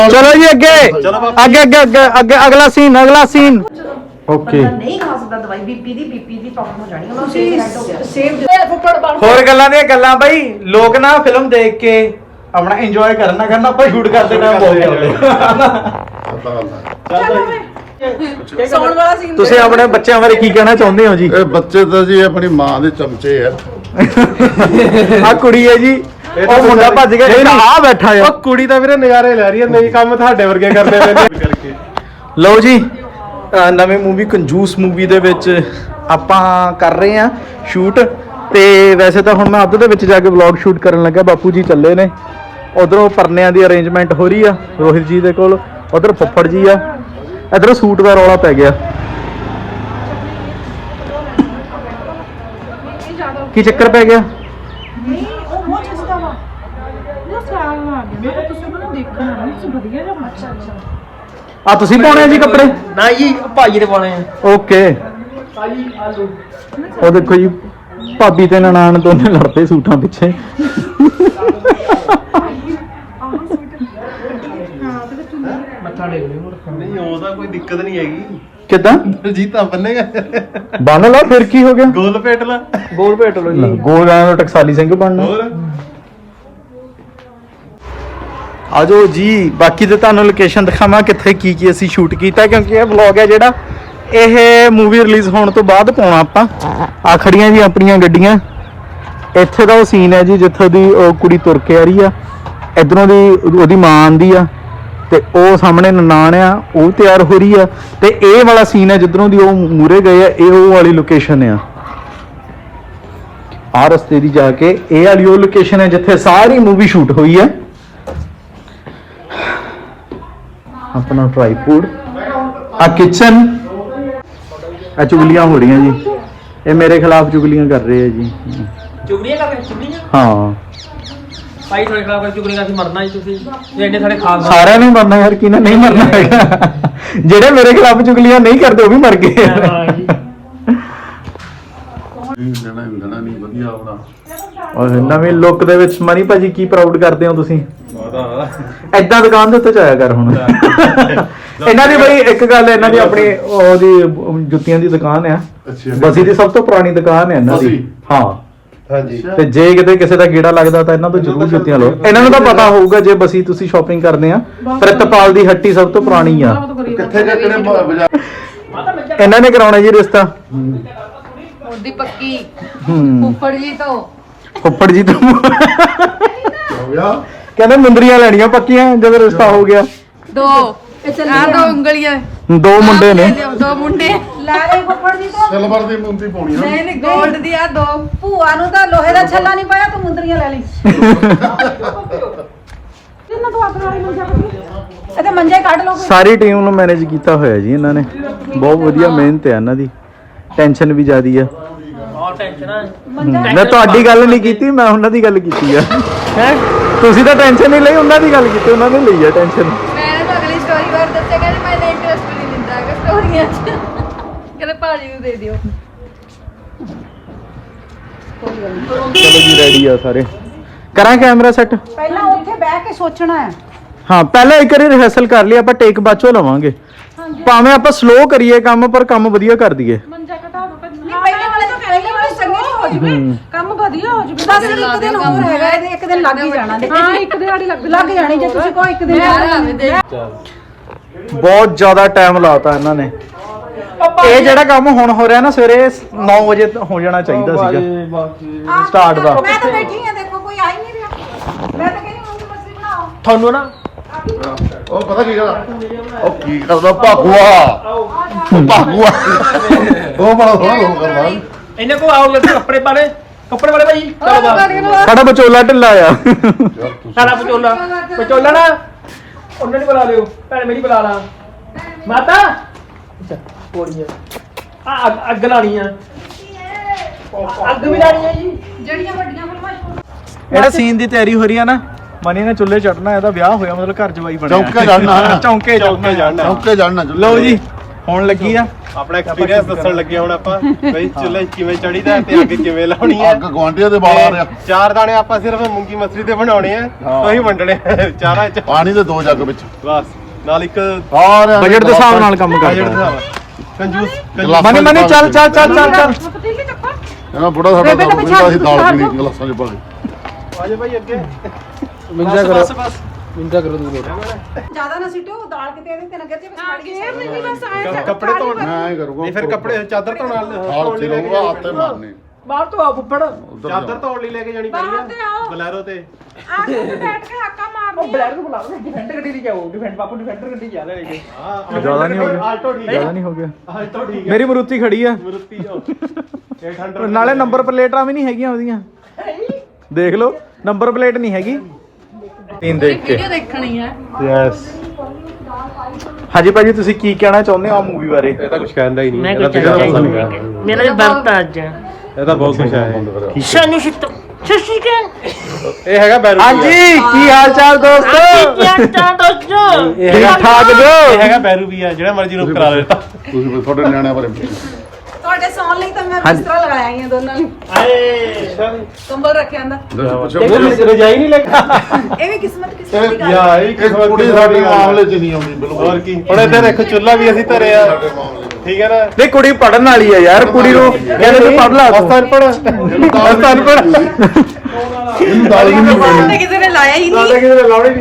चलो जी अगे अगे अगे अगे अगे अगला सीन ओके नहीं खा सकता दवाई बीपी दी प्रॉब्लम हो जानी है सेव ਹੋਰ ਗੱਲਾਂ ਦੀਆਂ ਗੱਲਾਂ ਬਈ ਲੋਕ ਨਾ ਫਿਲਮ ਦੇਖ ਕੇ ਆਪਣਾ ਇੰਜੋਏ ਕਰਨਾ ਆਪਾਂ ਸ਼ੂਟ ਕਰਦੇ ਟਾਈਮ ਬੋਲ ਸੌਣ ਵਾਲਾ ਸੀਨ ਤੁਸੀਂ ਆਪਣੇ ਬੱਚਿਆਂ ਬਾਰੇ ਕੀ ਕਹਿਣਾ ਚਾਹੁੰਦੇ ਹੋ ਜੀ ਇਹ ਬੱਚੇ ਤਾਂ ਜੀ ਆਪਣੀ ਮਾਂ ਦੇ ਚਮਚੇ ਆ ਆ ਕੁੜੀ ਹੈ ਜੀ ਉਹ ਮੁੰਡਾ ਭੱਜ ਗਿਆ ਇਹ ਆ ਬੈਠਾ ਆ ਉਹ ਕੁੜੀ ਤਾਂ ਵੀਰੇ ਨਜ਼ਾਰੇ ਲੈ ਰਹੀ ਹੈ ਨਹੀਂ ਕੰਮ ਤੁਹਾਡੇ ਵਰਗੇ ਕਰਦੇ ਪੈਂਦੇ ਕਰਕੇ ਲਓ ਜੀ ਨਵੇਂ ਮੂਵੀ ਕੰਜੂਸ ਮੂਵੀ ਦੇ ਵਿੱਚ ਆਪਾਂ ਕਰ ਰਹੇ ਆ ਸ਼ੂਟ ਤੇ ਵੈਸੇ ਤਾਂ ਹੁਣ ਮੈਂ ਅੱਧ ਦੇ ਵਿੱਚ ਜਾ ਕੇ ਵਲੌਗ ਸ਼ੂਟ ਕਰਨ ਲੱਗਾ ਬਾਪੂ ਜੀ ਚੱਲੇ ਨੇ ਉਧਰੋਂ ਪਰਨਿਆਂ ਦੀ ਅਰੇਂਜਮੈਂਟ ਹੋ ਰਹੀ ਆ ਰੋਹਿਤ ਜੀ ਦੇ ਕੋਲ ਉਧਰ ਫੱਫੜ ਜੀ ਆ ਇਧਰ ਸੂਟ ਦਾ ਰੌਲਾ ਪੈ ਗਿਆ ਕੀ ਚੱਕਰ ਪੈ ਗਿਆ ਨਹੀਂ ਉਹ ਬਹੁਤ ਸਸਤਾ ਵਾ ਇਹ ਸਿਆਲ ਆ ਗਿਆ ਮੈਂ ਤੁਸੀਂ ਮੈਨੂੰ ਦੇਖਣਾ ਨਹੀਂ ਵਧੀਆ ਜਿਹਾ ਅੱਛਾ ਆ ਤੁਸੀਂ ਪਾਉਣੇ ਆ ਜੀ ਕੱਪੜੇ ਨਾ ਜੀ ਭਾਈ ਦੇ ਪਾਉਣੇ ਆ ਓਕੇ ਉਹ ਦੇਖੋ ਜੀ ਭਾਬੀ ਤੇ ਨਨਾਣ ਦੋਨੇ ਲੜਦੇ ਸੂਟਾਂ ਪਿੱਛੇ ਮੱਥਾ ਟੇਕ ਲਿਓ ਨਹੀਂ ਉਹਦਾ ਕੋਈ ਦਿੱਕਤ ਨਹੀਂ ਹੈਗੀ ਕਿੱਦਾਂ ਜੀਤਾ ਬੰਨੇਗਾ ਬੰਨ ਲਾ ਫਿਰ ਕੀ ਹੋ ਗਿਆ ਗੋਲ ਪੇਟ ਲਾ ਗੋਲ ਭੇਟ ਲੋ ਜੀ ਗੋਲ ਆਇਆ ਟਕਸਾਲੀ ਸਿੰਘ ਬਣਨਾ ਹੋਰ ਆਜੋ ਜੀ ਬਾਕੀ ਤੇ ਤੁਹਾਨੂੰ ਲੋਕੇਸ਼ਨ ਦਿਖਾਵਾਂ ਕਿੱਥੇ ਕੀ ਅਸੀਂ ਸ਼ੂਟ ਕੀਤਾ ਕਿਉਂਕਿ ਇਹ ਵਲੌਗ ਹੈ ਜਿਹੜਾ ਇਹ ਮੂਵੀ ਰਿਲੀਜ਼ ਹੋਣ ਤੋਂ ਬਾਅਦ ਪਾਉਣਾ ਆਪਾਂ ਆ ਖੜੀਆਂ ਜੀ ਆਪਣੀਆਂ ਗੱਡੀਆਂ ਇੱਥੇ ਦਾ ਉਹ ਸੀਨ ਹੈ ਜੀ ਜਿੱਥੋਂ ਦੀ ਉਹ ਕੁੜੀ ਤੁਰ ਕੇ ਆ ਰਹੀ ਆ ਇਧਰੋਂ ਦੀ ਉਹਦੀ ਮਾਂ ਆਂਦੀ ਆ ਤੇ ਉਹ ਸਾਹਮਣੇ ਨਨਾਣ ਆ ਉਹ ਤਿਆਰ ਹੋ ਰਹੀ ਆ ਤੇ ਇਹ ਵਾਲਾ ਸੀਨ ਹੈ ਜਿੱਧਰੋਂ ਦੀ ਉਹ ਮੂਰੇ ਗਏ ਆ ਇਹ ਉਹ ਵਾਲੀ ਲੋਕੇਸ਼ਨ ਆ ਆ ਰਸਤੇ ਦੀ ਜਾ ਕੇ ਇਹ ਵਾਲੀ ਉਹ ਲੋਕੇਸ਼ਨ ਹੈ ਜਿੱਥੇ ਸਾਰੀ ਮੂਵੀ ਸ਼ੂਟ ਹੋਈ ਹੈ अपना ट्राइपॉड आ किचन आ चुगलियां हो रही हैं जी ये मेरे खिलाफ चुगलियां कर रहे हैं जी ਚੁਗਲੀਆਂ ਕਰਦੇ ਚੁਗਲੀਆਂ हाँ ਭਾਈ ਤੁਹਾਡੇ ਖਿਲਾਫ ਚੁਗਲੀਆਂ ਅਸੀਂ ਮਰਨਾ ਜੀ ਤੁਸੀਂ ਜੇ ਇੰਨੇ ਸਾਡੇ ਖਾਸ सारे ने मरना यार किने नहीं मरना है जेड़े मेरे खिलाफ चुगलियां नहीं करते वो भी मर गए ਲੈਣਾ ਨਹੀਂ ਵਧੀਆ ਹੋਣਾ और नवीं लुक ਦੇ ਵਿੱਚ ਮਨੀ ਭਾਜੀ ਕੀ ਪ੍ਰਾਊਡ ਕਰਦੇ ਹੋ ਤੁਸੀਂ ਐਦਾਂ ਦੁਕਾਨ ਦੇ ਉੱਤੇ ਜਾਇਆ ਕਰ ਹੁਣ ਇਹਨਾਂ ਦੀ ਬਈ ਇੱਕ ਗੱਲ ਇਹਨਾਂ ਦੀ ਆਪਣੀ ਉਹਦੀ ਜੁੱਤੀਆਂ ਦੀ ਦੁਕਾਨ ਆ ਬਸੀ ਦੀ ਸਭ ਤੋਂ ਪੁਰਾਣੀ ਦੁਕਾਨ ਹੈ ਇਹਨਾਂ ਦੀ ਹਾਂ ਹਾਂਜੀ ਤੇ ਜੇ ਕਿਤੇ ਕਿਸੇ ਦਾ ਗੇੜਾ ਲੱਗਦਾ ਤਾਂ ਇਹਨਾਂ ਤੋਂ ਜ਼ਰੂਰ ਜੁੱਤੀਆਂ ਲਓ ਇਹਨਾਂ ਨੂੰ ਤਾਂ ਪਤਾ ਹੋਊਗਾ ਜੇ ਬਸੀ ਤੁਸੀਂ ਸ਼ਾਪਿੰਗ ਕਰਦੇ ਆ ਪ੍ਰਿਤਪਾਲ ਦੀ ਹੱਟੀ ਸਭ ਤੋਂ ਪੁਰਾਣੀ ਆ ਕਿੱਥੇ ਕਿਹੜੇ ਬਾਜ਼ਾਰ ਇਹਨਾਂ ਨੇ ਕਰਾਉਣਾ ਜੀ ਰਿਸ਼ਤਾ ਉਹਦੀ ਪੱਕੀ ਹੂੰ ਉੱਪਰ ਜੀ ਤੋਂ ਫੁੱਫੜ ਜੀ ਤੋਂ ਹੋ ਗਿਆ ਕਹਿੰਦੇ ਮੁੰਦਰੀਆਂ ਲੈਣੀਆਂ ਪੱਕੀਆਂ ਜਦੋਂ ਰਿਸ਼ਤਾ ਹੋ ਗਿਆ ਦੋ ਆ ਦੋ ਉਂਗਲੀਆਂ ਦੋ ਮੁੰਡੇ ਨੇ ਦੋ ਮੁੰਡੇ ਲੈ ਲੈ ਫੁੱਫੜ ਜੀ ਤੋਂ ਸਿਲਵਰ ਦੀ ਮੁੰਦੀ ਪਾਉਣੀ ਆ ਨਹੀਂ 골ਡ ਦੀ ਆ ਦੋ ਭੂਆ ਨੂੰ ਤਾਂ ਲੋਹੇ ਦਾ ਛੱਲਾ ਨਹੀਂ ਪਾਇਆ ਤੂੰ ਮੁੰਦਰੀਆਂ ਲੈ ਲਈ ਕਿੰਨਾ ਤੋਂ ਆਖਰ ਵਾਲੀ ਮੰਜਾ ਕੱਢੀ ਇਹ ਤੇ ਮੰਜੇ ਕੱਢ ਲਓ ਸਾਰੀ ਟੀਮ ਨੂੰ ਮੈਨੇਜ ਕੀਤਾ ਹੋਇਆ ਜੀ ਇਹਨਾਂ ਨੇ ਬਹੁਤ ਵਧੀਆ ਮਿਹਨਤ ਹੈ ਇਹਨਾਂ ਦੀ ਟੈਨਸ਼ਨ ਵੀ ਜ਼ਿਆਦੀ ਆ ਬਹੁਤ ਟੈਨਸ਼ਨ ਆ ਮੈਂ ਤੁਹਾਡੀ ਗੱਲ ਨਹੀਂ ਕੀਤੀ ਮੈਂ ਉਹਨਾਂ ਦੀ ਗੱਲ ਕੀਤੀ ਆ ਹੈ ਤੁਸੀਂ ਤਾਂ ਟੈਨਸ਼ਨ ਨਹੀਂ ਲਈ ਉਹਨਾਂ ਦੀ ਗੱਲ ਕੀਤੀ ਉਹਨਾਂ ਨੇ ਲਈ ਆ ਟੈਨਸ਼ਨ ਮੈਂ ਤਾਂ ਅਗਲੀ ਸਟੋਰੀ ਬਾਰੇ ਦੱਸਿਆ ਕਿ ਮੈਂ ਇੰਟਰਸਟ ਨਹੀਂ ਲੈਂਦਾ ਹੈਗਾ ਸਟੋਰੀਆਂ 'ਚ ਕਹਿੰਦੇ ਭਾਜੀ ਨੂੰ ਦੇ ਦਿਓ ਚਲੋ ਜੀ ਰੈਡੀ ਆ ਸਾਰੇ ਕਰਾਂ ਕੈਮਰਾ ਸੈੱਟ ਪਹਿਲਾਂ ਉੱਥੇ ਬਹਿ ਕੇ ਸੋਚਣਾ ਹੈ ਹਾਂ ਪਹਿਲਾਂ ਇੱਕ ਵਾਰੀ ਰਿਹਰਸਲ ਕਰ ਲਈ ਆਪਾਂ ਟੇਕ ਬਾਅਦੋਂ ਲਵਾਂਗੇ ਭਾਵੇਂ ਆਪਾਂ ਸਲੋ ਕਰੀਏ ਕੰਮ ਪਰ ਕੰਮ ਵਧੀਆ ਕਰ ਦਈਏ ਮੰਜਾ ਘਟਾ ਦੋ ਪਹਿਲੇ ਵਾਲੇ ਚੰਗੇ ਹੋ ਜਵੇ ਕੰਮ ਵਧੀਆ ਹੋ ਜਵੇ ਬਸ ਇੱਕ ਦਿਨ ਹੋਰ ਹੈਗਾ ਇਹਦੇ ਇੱਕ ਦਿਨ ਲੱਗ ਹੀ ਜਾਣਾ ਹਾਂ ਇੱਕ ਦਿਹਾੜੀ ਲੱਗ ਜਾਣੀ ਜੇ ਤੁਸੀਂ ਕੋਈ ਇੱਕ ਦਿਨ ਬਹੁਤ ਜ਼ਿਆਦਾ ਟਾਈਮ ਲਾਤਾ ਇਹਨਾਂ ਨੇ ਇਹ ਜਿਹੜਾ ਕੰਮ ਹੁਣ ਹੋ ਰਿਹਾ ਨਾ ਸਵੇਰੇ 9 ਵਜੇ ਹੋ ਜਾਣਾ ਚਾਹੀਦਾ ਸੀਗਾ ਸਟਾਰਟ ਦਾ ਮੈਂ ਤਾਂ ਬੈਠੀ ਆ ਦੇਖੋ ਕੋਈ ਆ ਹੀ ਨਹੀਂ ਰਿਹਾ ਮੈਂ ਤਾਂ ਕਹਿੰਦੀ ਮੂੰਗੀ ਮਛਲੀ ਬਣਾਓ ਤੁਹਾਨੂੰ ਨਾ ਉਹ ਪਤਾ ਕੀ ਕਰਦਾ ਉਹ ਕੀ ਕਰਦਾ ਭਾਗੂਆ ਉਹ ਬੜਾ ਸੋਹਣਾ ਕਰਦਾ ਇਹਨੇ ਕੋ ਆਓ ਜਲਦੀ ਕੱਪੜੇ ਵਾਲੇ ਭਾਈ ਚਲੋ ਬਾਹਰ ਸਾਡਾ ਵਿਚੋਲਾ ਢਿੱਲਾ ਆ ਸਾਰਾ ਪਚੋਲਾ ਨਾ ਉਹਨਾਂ ਨੂੰ ਬੁਲਾ ਲਿਓ ਭੈਣ ਮੇਰੀ ਬੁਲਾ ਲਾ ਮਾਤਾ ਅੱਛਾ ਕੋੜੀਆਂ ਆ ਅੱਗ ਲਾਣੀ ਆ ਅੱਗ ਵੀ ਲਾਣੀ ਆ ਜੀ ਜਿਹੜੀਆਂ ਵੱਡੀਆਂ ਫਿਲਮਾਂ ਇਹਦਾ ਸੀਨ ਦੀ ਤਿਆਰੀ ਹੋ ਰਹੀ ਆ ਨਾ ਮਨੀ ਨੇ ਚੁੱਲ੍ਹੇ ਚੜਨਾ ਇਹਦਾ ਵਿਆਹ ਹੋਇਆ ਮਤਲਬ ਘਰ ਜਵਾਈ ਬਣਿਆ ਚੌਂਕੇ ਚੜਨਾ ਚੌਂਕੇ ਚੜਨਾ ਚੌਂਕੇ ਚੜਨਾ ਲਓ ਜੀ ਹੋਣ ਲੱਗੀ ਆ। ਆਪਣਾ ਐਕਸਪੀਰੀਅੰਸ ਦੱਸਣ ਲੱਗੇ ਹੁਣ ਆਪਾਂ ਬਈ ਚੁੱਲ੍ਹੇ ਕਿਵੇਂ ਚੜੀਦਾ ਤੇ ਅੱਗ ਕਿਵੇਂ ਲਾਉਣੀ ਹੈ। ਅੱਗ ਗੁਆਂਢੀਆਂ ਦੇ ਬਾਲ ਆ ਰਿਹਾ। 4 ਦਾਣੇ ਆਪਾਂ ਸਿਰਫ ਮੂੰਗੀ ਮਸਰੀ ਦੇ ਬਣਾਉਣੇ ਆ, ਉਹੀ ਵੰਡਣੇ ਚਾਰਾਂ ਚ ਪਾਣੀ ਦੇ 2 ਜੱਗ ਵਿੱਚ ਬਸ। ਨਾਲ ਇੱਕ ਸਾਰਿਆਂ ਬਜਟ ਦੇ ਹਿਸਾਬ ਨਾਲ ਕੰਮ ਬਜਟ ਕਰਦਾ। ਕੰਜੂਸ ਮਨੀ ਮਨੀ ਚੱਲ ਚੱਲ ਚੱਲ ਚੱਲ ਚੱਲ। ਪਤੀਲੀ ਚੱਕੋ ਇਹਨਾਂ ਬੁੜਾ ਸਾਡਾ ਬੇਬੇ ਤਾਂ ਤਾਂ ਪੀਂਦਾ ਸੀ ਪਿਛਾਂਹ ਦਾਲ ਪੀਣੀ ਗਲਾਸਾਂ 'ਚ ਪਾ ਕੇ। ਆਜੇ ਭਾਈ ਅੱਗੇ ਮਿੰਜਾ ਕਰੋ ਬਸ ਬਸ ਮਿੰਜਾ ਕਰੋ ਦੂਰ ਜ਼ਿਆਦਾ ਨਾ ਸਿੱਟੋ ਦਾਲ ਕਿਤੇ ਇਹਦੇ ਤੇ ਨਗਰ ਜੇ ਬਸ ਗੇਰ ਨਹੀਂ ਬਸ ਆਏ ਕੱਪੜੇ ਧੋਣ ਮੈਂ ਐਂ ਕਰੂੰਗਾ ਨਹੀਂ ਫਿਰ ਕੱਪੜੇ ਚਾਦਰ ਧੋਣ ਨਾਲ ਹਾਲ ਤੇ ਰਹੂਗਾ ਹੱਥੇ ਮਾਰਨੇ ਬਾਹਰ ਤੋਂ ਆ ਫੁੱਫੜ ਉਧਰ ਚਾਦਰ ਧੋਣ ਲਈ ਲੈ ਕੇ ਜਾਣੀ ਬਾਹਰ ਤੇ ਆਓ। ਪੈਣੀ ਬਲੈਰੋ ਤੇ ਆ ਕੇ ਬੈਠ ਕੇ ਹਾਕਾ ਉਹ ਮਾਰਨੀ ਬਲੈਰ ਨੂੰ ਬੁਲਾ ਲਓ ਡਿਫੈਂਡਰ ਗੱਡੀ ਤੇ ਜਾਓ ਡਿਫੈਂਡ ਪਾਪੂ ਡਿਫੈਂਡਰ ਗੱਡੀ ਜਾ ਲੈ ਕੇ ਹਾਂ ਜ਼ਿਆਦਾ ਨਹੀਂ ਹੋ ਗਿਆ। ਆਲਟੋ ਠੀਕ ਜ਼ਿਆਦਾ ਹੈ, ਨਹੀਂ ਹੋ ਗਿਆ। ਆਲਟੋ ਠੀਕ ਹੈ। ਮੇਰੀ ਮਰੂਤੀ ਖੜੀ ਆ। ਮਰੂਤੀ ਜੋ 800 ਨਾਲੇ ਨੰਬਰ ਪਲੇਟਾਂ ਵੀ ਨਹੀਂ ਹੈਗੀਆਂ ਉਹਦੀਆਂ। ਦੇਖ ਲਓ ਨੰਬਰ ਪਲੇਟ ਨਹੀਂ ਹੈਗੀ। ਤੀਨ ਦੇਖ ਕੇ ਦੇਖਣੀ ਹੈ ਯੈਸ। ਹਾਂਜੀ ਭਾਜੀ ਤੁਸੀਂ ਕੀ ਕਹਿਣਾ ਚਾਹੁੰਦੇ ਹੋ ਆ ਮੂਵੀ ਬਾਰੇ? ਇਹ ਤਾਂ ਕੁਝ ਕਹਿੰਦਾ ਹੀ ਨਹੀਂ ਮੈਂ ਇਹਦਾ ਕੁਝ ਪਿਛਲਾ ਚਾਹੀਦਾ ਪਸੰਦ ਨਹੀਂ ਹੈਗਾ। ਮੇਰਾ ਤਾਂ ਵਰਤ ਅੱਜ ਇਹ ਤਾਂ ਬਹੁਤ ਕੁਝ ਹੈ। ਸ਼ਾਨੂ ਸ਼ਿਤ ਸ਼ਸ਼ੀਕਾ ਇਹ ਹੈਗਾ ਬੈਰੂ ਹਾਂਜੀ ਕੀ ਹਾਲ ਚਾਲ ਦੋਸਤੋ? ਕੀ ਚਾਹ ਦੋਸਤੋ ਠੀਕ ਠਾਕ ਇਹ ਜੋ? ਹੈਗਾ ਬੈਰੂ ਵੀ ਆ ਜਿਹੜਾ ਮਰਜ਼ੀ ਨੂੰ ਕਰਾ ਲੈਤਾ। ਤੁਸੀਂ ਵੀ ਤੁਹਾਡੇ ਨਿਆਣਿਆਂ ਬਾਰੇ ਤੁਹਾਡੇ ਸੌਣ ਲਈ ਤਾਂ ਮੈਂ ਹਾਂਜੀ। ਬਿਸਤਰਾ ਲਗਾਇਆ ਹੀ ਆ ਦੋਨਾਂ ਨੂੰ ਆਏ ਕੰਬਲ ਰੱਖਿਆ ਅੰਦਰ ਪੁੱਛੋ ਰਜਾਈ ਨਹੀਂ ਲੱਗਾ ਇਹ ਵੀ ਕਿਸਮਤ ਦੀ ਗੱਲ ਯਾ ਹੈ। ਇਹ ਇਹ ਕੁੜੀ ਸਾਡੇ ਮਾਮਲੇ 'ਚ ਨਹੀਂ ਆਉਂਦੀ ਬਿਲਕੁਲ। ਹੋਰ ਕੀ ਹੁਣ ਇੱਥੇ ਦੇਖੋ ਚੁੱਲ੍ਹਾ ਵੀ ਅਸੀਂ ਧਰਿਆ ਸਾਡੇ ਮਾਮਲੇ 'ਚ। ਠੀਕ ਹੈ ਨਾ। ਨਹੀਂ ਕੁੜੀ ਪੜਨ ਵਾਲੀ ਆ ਯਾਰ। ਕੁੜੀ ਨੂੰ ਕਹਿੰਦੇ ਤੂੰ ਪੜ ਲਾ ਤੂੰ। ਅਨਪੜ੍ਹ ਇਹਨੂੰ ਦਾਲ ਅਨਪੜ੍ਹ ਇਹਨੂੰ ਦਾਲ ਵੀ ਨਹੀਂ ਕਿਸੇ ਨੇ ਲਾਇਆ ਹੀ ਨਹੀਂ। ਕਿਸੇ ਨੇ ਲਾਉਣੀ